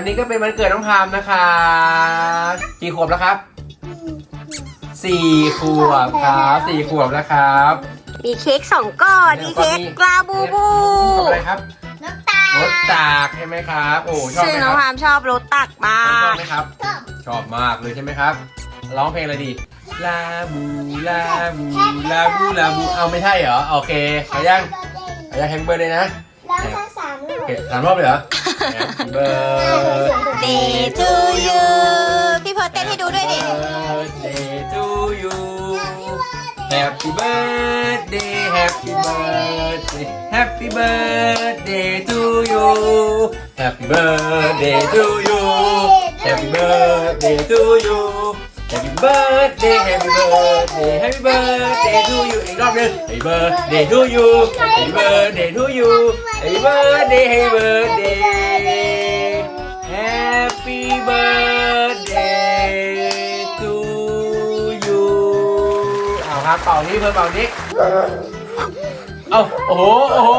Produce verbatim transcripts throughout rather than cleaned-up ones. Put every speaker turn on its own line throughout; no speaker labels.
นี้ก็เป็นวันเกิดน้องพามนะคะกี่ขวบแล้วครับสี่ขวบครับสี่ขวบแล้วครับ
มีเค้กสองก้อนมีเค้กลาบูบู
กับอะไรครับ
รถตาร
ถตากใช่ไหมครับโอ้ชอบ
ซึ่ง
ไหม
น้
ค
อง
รับ
พามชอบรถตักมา
ชอก บไหมครับชอบมากเลยใช่ไหมครับร้องเพลงอะไรดีลาบูลาบูลาบูลาบูเอาไม่ใช่เหรอโอเคเอายังเอายังแฮมเบอร์เลยนะ
แล้วถ้าสามร
โอ
อบ
เคสามรอบเลยเหรอ Happy birthday
Day to you พี่เพิร์ทเต้นให้ดูด้วยดิ
birthday to you Happy birthday Happy birthday Happy birthday to you Happy birthday to you Happy birthday to you Happy birthday Happy birthday Happy birthday to you อีกรอบหนึง Happy birthday to you Happy birthday to you Happy birthday Happy birthday Happy birthday to you เอาครับเป่านี้เพิ่มเป่านี้เอาโอ้โหโอ้โห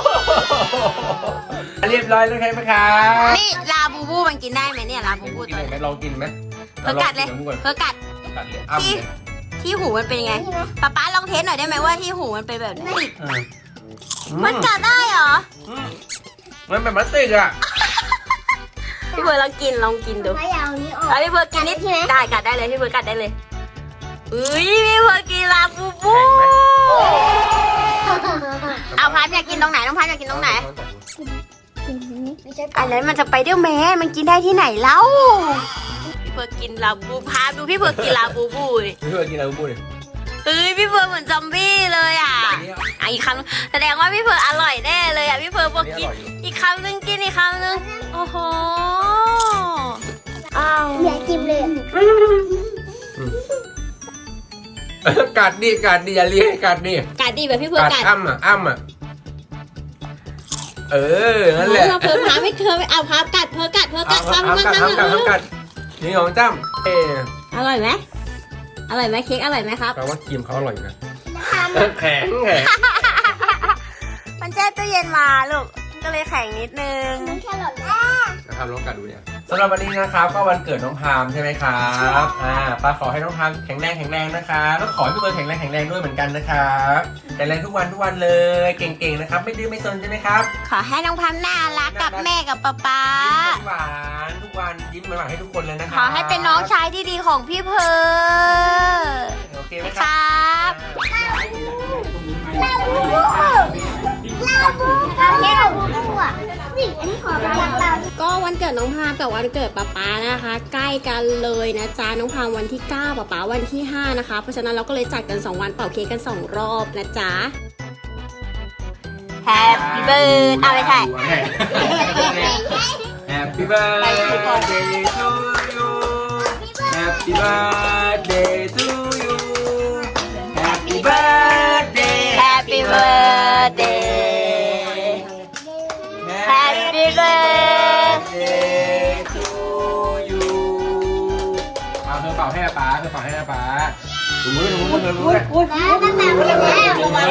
เรียบร้อยแล้วใช่ไหมครับ
นี่ลาบูบูมันกินได้ไหมเนี่ยลาบูบู
กิน
ตัว
ไหม
นี้
ลองกินไหม
เพิร์ทกัดเลย
องกิน
เพิร์ทกัด
กัดเลยอ้ำ
ที่
เลย
ที่หูมันเป็นยังไงป๊าป๊าลองเทสหน่อยได้ไหมว่าที่หูมันเป็นแบบนี้
อืม
มันกัดได้เหรอ
อืมมันเป็นพลาสติกอ่ะ
พี่เพิร์ทลองกินลองกินดู
พยาวนี้ออก
เอาพี่เพิร์ทกินนิดได้กัดได้เลยพี่เพิร์ทกัดได้เลยอุ้ยพี่เพิร์ทกินลาบูบูเอาพามอยากกินตรงไหนน้องพามอยากกินตรงไหน
ไม่ใช่
อันนั้นมันจะไปเดอร์แมนมันกินได้ที่ไหนเล่าพี่เพิร์ทกินลาบูพามดูพี่เพิร์ทกินลาบูบูดิ
พี่เพื่อนกินอะไรพูดเลย
เฮ้ยพี่เพิร์ทเหมือนซอมบี้เลยอ่ะอ่ะอีกคำแสดงว่าพี่เพิร์ทอร่อยแน่เลยอ่ะพี่เพิร์ทบอกกินอีกคำนึงกินอีกคำนึงโอ้โหอ้าว
เหลือกินเลย
กัดดิกัดดิอย่าเลี้ยงกัดดิ
กัดดีแบบพี่เพิร์ท
กัด
กัด
อ้ำอ่ะอ้ำอ่ะเออนั่นแหละ
เราเพิร์ทพาไม่เคยเอาพากัดเพิร์ทกัดเพิร์ทกัด
เอา
ทำ
เอา
กัด
กัด
ทำ
เอากัดเอากัดนี่ของจ้ำเออ
อร่อยไหมอร่อยไหมเค้กอร่อยไหมครับ
แปลว่าครีมเขาอร่อยนะ
ทำ
แข็งแข็ง
มันแช่ตู้เย็นมาลูกก็เลยแข็งนิดนึง
มันแค่หล่นแล้ว
นะครับลองกัดดูเนี่ยสำหรับวันนี้นะครับก็วันเกิดน้องพามใช่ไหมครับอ่าป้าขอให้น้องพามแข็งแรงแข็งแรงนะคะแล้วขอให้พี่เบิร์ดแข็งแรงแข็งแรงด้วยเหมือนกันนะครับแข็งแรงทุกวันทุกวันเลยเก่งๆนะครับไม่ดื้อไม่ซนใช่ไหมครับ
ขอให้น้องพัมน่ารักกับแม่กับป๊าป๊า
ยิ้มหวานทุกวันยิ้มหวานให้ทุกคนเลยนะค
ข
รับ
อให้เป็นน้องชายที่ดีของพี่เพิร์ด
โอเคไหม
ค
ครั
รับ
ลาบูบูลาบูเอาแค่ลาบูบูอ่ะนี่อันนี้ขอเป็นลาลา
ก็วันเกิดน้องพามกับวันเกิดป๊าป๊านะคะ ใกล้กันเลยนะจ๊ะน้องพามวันที่เก้าป๊าป๊าวันที่ห้านะคะเพราะฉะนั้นเราก็เลยจัดกันสองวันเป่าเค้กกันสองรอบนะจ๊ะ Happy birthday เอาไปถ่าย
Happy birthday to you Happy birthday to you Happy birthday
Happy birthday Happy birthday
to you เอาเธอเป่าให้อาป๊าเธอเป่าให้อาป๊าถูมือถูมือถูมือ
แล้วตั้งแต่วันแรก
เย้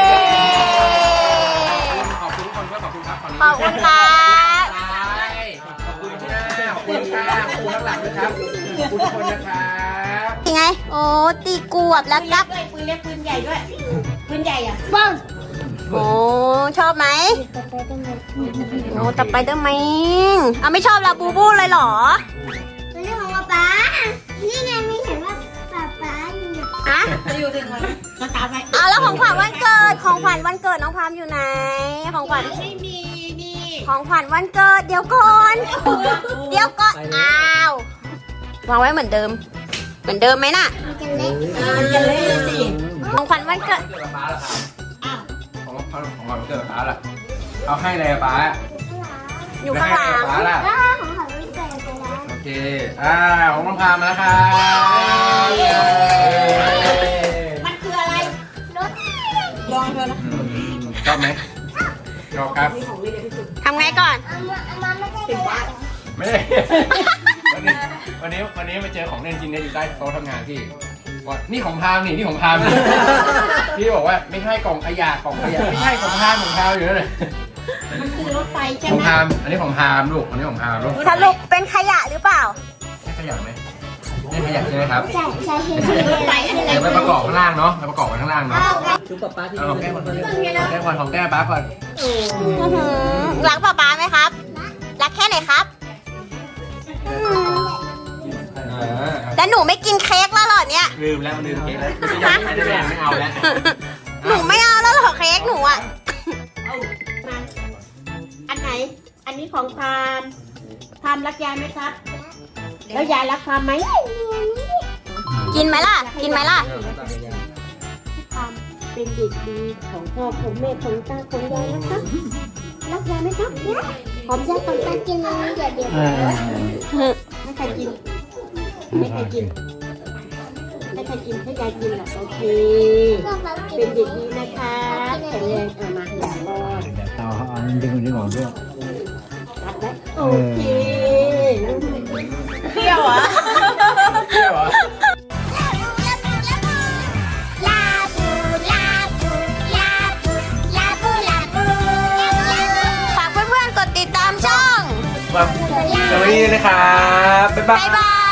ขอบคุณทุกคนด้วยขอบคุณครับ
ขอบคุณครับ
ขอบคุณที่หน้าขอบคุณค่ะขอบคุณข้างหลังด้วยครับขอบคุณทุกคนนะครับ
ยังไง โอ้ตีกวบแล้วครับ
ปืนเล็กปืนใหญ่ด้วยปืนใหญ่อ่ะ
บ้างโอ้ชอบไหมโอ้ต่อไปเดอร์แมนอ่ะไม่ชอบลาบูบูเลยเหรอ
มันเรื่องของป๊านี่ไงไม่เห็นว่าป๊าป๊าอยู่
อะ
จะอยู่ถึงวันก็ตามไป
เอาแล้วของขวัญวันเกิดของขวัญวันเกิดน้องพามอยู่ไหนของขวัญ
ไม่มีนี่
ของขวัญวันเกิดเดี๋ยวก่อนเดี๋ยวก่อนอ้าววางไว้เหมือนเดิม เหมือนเดิมไหมน่ะ
มันจะเล็ก
มันจะเล่นสิของขวัญวันเกิด
เกิดป๊าล่ะครับของของของเกิดป๊าล่ะเอาให้เลยป๊า
อยู่ข้างหลัง
ป๊าล่ะ
แล้วของเขาไม่เกิดไปแล้ว
โอเคอ่าของน้องพามนะครับ
มันคืออะไรรถลองเถอะนะ
ชอบไหมชอบครับ
ทำไงก่อน
เอามาเอามาไม่ใช่เลย
ไม่ได้ วันนี้วันนี้วันนี้มาเจอของเล่นจริงเนี่ยอยู่ใต้โต๊ะทำงานพี่ว่านี่ของพามนี่นี่ของพาม พี่บอกว่าไม่ใช่กล่องขยะกล่องขยะไม่ใช่ของพามของพามอยู่นั่นแหละ
มันคือรถไฟใช่
ของ
ไหม
พามอันนี้ของพามลูกอันนี้ของพามลูก
สรุปเป็นขยะหรือเปล่า
ใช่ขยะไหมนี่ขยะใช่ไหมครับ
ใช่ใช่ใช่รถไฟใช่ไหม
เดี๋ยวไปประกอบข้างล่างเนาะไปประกอบไว้ข้างล่างเนาะ
ชุบป๊าป๊าที่
เอาของแก้
นี่
ก่อนของแก้ก่อนของแก้ป้าก่อน
รักป๊าป๊าไหมครับ รักแค่ไหนครับ แต่หนูไม่กินเค้กแล้วเหรอเนี่ย
ลืมแล้วลืมเค้กแล้วไม่ได้แบ่งไม่เอาแล้ว
หนูไม่เอาแล้วเหรอเค้กหนูอ่ะอันไหน อันนี้ของพามพามรักยายไหมครับ แล้วยายรักพามไหม กินไหมล่ะ กินไหมล่ะพามเป็นเด็กดีของพ่อของแม่ของตาของยายนะครับ รักยายไหมครับหอมยายของตากินเลยเดี๋ยวเดี๋ยวไม่ใครกิน ไม่ใครกิน ไม่ใครกินให้ยายกินหรอกโอเค เป็นเด็กดีนะคะแข็งแรงเอามาให้ยายป้อน
เดี๋ยวต่อเขาเอาดึงดึงออกด้วย
รักไหมโอเคเที่ยวอ่ะ
เที่ยวเหรอ
ฝากเพื่อนๆกดติดตามช่อง
มาสวัสดีนะครับบ๊ายบาย
บ๊ายบาย